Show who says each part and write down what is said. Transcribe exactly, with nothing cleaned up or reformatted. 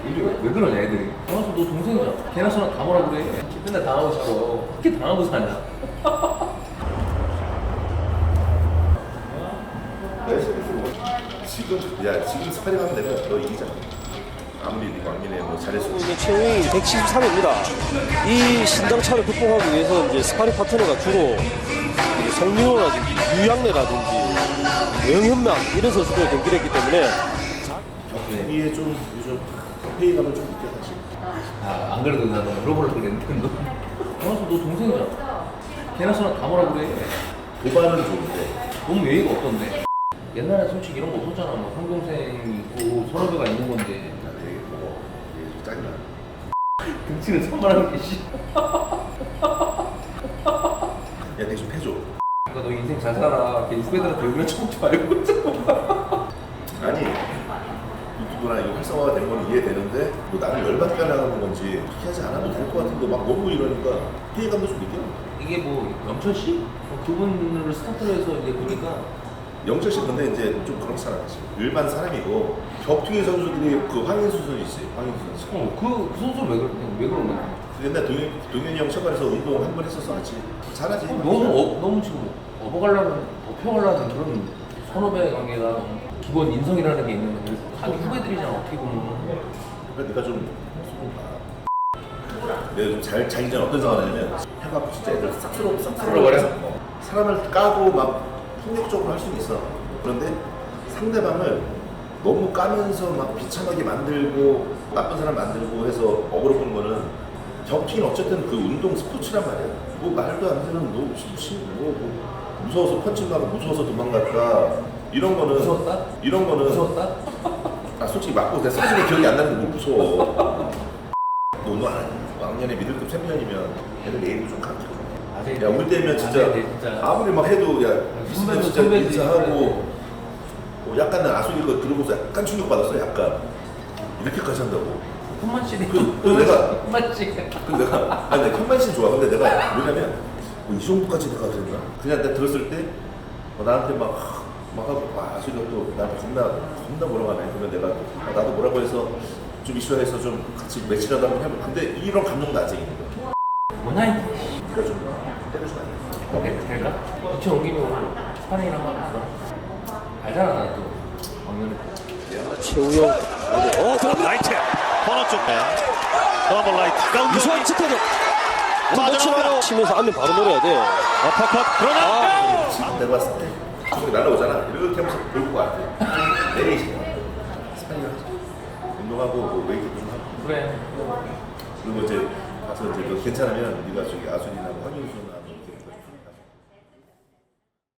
Speaker 1: 이게 왜 그러냐 애들이. 강화수 너 동생이잖아. 걔나 저나 다 뭐라 그래. 맨날 당하고 살아. 어떻게 당하고 사냐.
Speaker 2: 지금 야 지금 스파링 하면 내가 너 이기잖아. 아무리 네 왕민의 뭐 잘했어.
Speaker 3: 체형이 백칠십삼 입니다. 이 신장차를 극복하기 위해서 이제 스파링 파트너가 주로 성민호라든지 유양래라든지 영현명 이런 선수들 경기를 했기 때문에
Speaker 2: 경기에 좀 요즘 회의감을 좀 느껴 사실.
Speaker 1: 아, 안 그래도 나도 물어보려고 그랬는데 너 강화수 너 동생이잖아. 걔나 저나 다 뭐라 그래.
Speaker 2: 도발은 좋은데
Speaker 1: 너무 예의가 없던데. 옛날에 솔직히 이런 거 없었잖아. 뭐 형동생 있고 선후배가 있는 건데.
Speaker 2: 나 되게 뭐 이게 좀 짜증나.
Speaker 1: 등치는 선발하는 게 씨.
Speaker 2: 야 내가 좀 해줘.
Speaker 1: 그러니까 너 인생 잘 살아. 걔 후배들한테 욕을 쳐먹지 말고.
Speaker 2: 아니 유튜브나 이거 활성화가 된 건 이해되는데 뭐 나를 열받게 하는 건지 그렇게 하지 않아도 될 것 같은데 막 너무 이러니까 피해감도 좀 느껴.
Speaker 1: 이게 뭐 영철 씨? 어, 그분을 스타트로 해서 이제 보니까
Speaker 2: 영철 씨 근데 이제 좀 그렇잖아. 일반 사람이고 격투기 선수들이 그 황인수 선수 있어요. 황인수 선수.
Speaker 1: 어, 그, 그 선수 왜, 그러, 왜 그런 거야?
Speaker 2: 옛날 동현, 동현이 형 체육관에서 운동 한 번 했었어 같이. 잘하지.
Speaker 1: 어, 너무 어, 너무 지금 업어가려는 업혀가려는 그런 선후배 관계가 기본 인성이라는 게 있는데 자기 후배들이잖아 어떻게 보면.
Speaker 2: 그러니까 네가 좀 내가 좀 잘 자기 전 어떤 상황이냐면 해갖고 진짜 애들 싹 쓸어 싹
Speaker 1: 쓸어버려?
Speaker 2: 어. 사람을 까고 막 폭력적으로 할 수는 있어. 그런데 상대방을 너무 까면서 막 비참하게 만들고 나쁜 사람 만들고 해서 어그로 끄는 거는 격투기는 어쨌든 그 운동 스포츠란 말이야. 뭐 말도 안 되는 뭐, 무슨 뭐, 뭐 무서워서 펀칭 가고 무서워서 도망갔다 이런 거는
Speaker 1: 무서웠다?
Speaker 2: 이런 거는
Speaker 1: 무서웠다?
Speaker 2: 아 솔직히 맞고 내 사진이 기억이 안 나는데 뭐 무서워. 너 운동 안 해? 왕년에 미들급 챔피언이면 애들 내일도 좀 강해. 야 우리 때면 진짜,
Speaker 1: 아, 네, 진짜.
Speaker 2: 아무리 막 해도 야
Speaker 1: 선배도
Speaker 2: 진짜
Speaker 1: 선배지.
Speaker 2: 인사하고 뭐 약간 난 아소리 거 들어보면서 약간 충격 받았어. 약간 이렇게까지 한다고.
Speaker 1: 현만 씨는
Speaker 2: 그, 그 내가
Speaker 1: 현만 씨.
Speaker 2: 그 내가 아니 내가 현만 씨는 좋아. 근데 내가 뭐냐면 뭐 이 정도까지 내가 그랬나? 그냥 내가 들었을 때 어, 나한테 막 막 하고 와 아소리가 또 나한테 겁나 겁나 뭐라고 하네. 그러면 내가 어, 나도 뭐라고 해서 좀 이슈화해서 좀 같이 매치라도 한번 해보. 근데 이런 감정도 아직 있는 거야.
Speaker 1: 뭐냐 이.
Speaker 2: 그러니까 좀 때려주면 안 돼.
Speaker 1: 오케이 될까? 이천 옮기면 스파링이랑 한번 가자. 알잖아 나 또. 왕년에.
Speaker 3: 최우영 어 들어갑니다.
Speaker 4: 라이트 코너 쪽 더블 라이트
Speaker 3: 유수환 측대로
Speaker 4: 빠져나옵니다.
Speaker 3: 치면서 치면서 안면 바로 노려야 돼.
Speaker 4: 아파컷 그러나
Speaker 3: 아,
Speaker 2: 지금 내가 봤을 때 저기 날라오잖아. 이렇게 하면서 돌고 와. 내리시. 스파링 하자. 운동하고 뭐 웨이트 좀 하고.
Speaker 1: 그래.
Speaker 2: 그리고 이제 가서 이제 너 괜찮으면 네가 저기 아순이나 황윤수나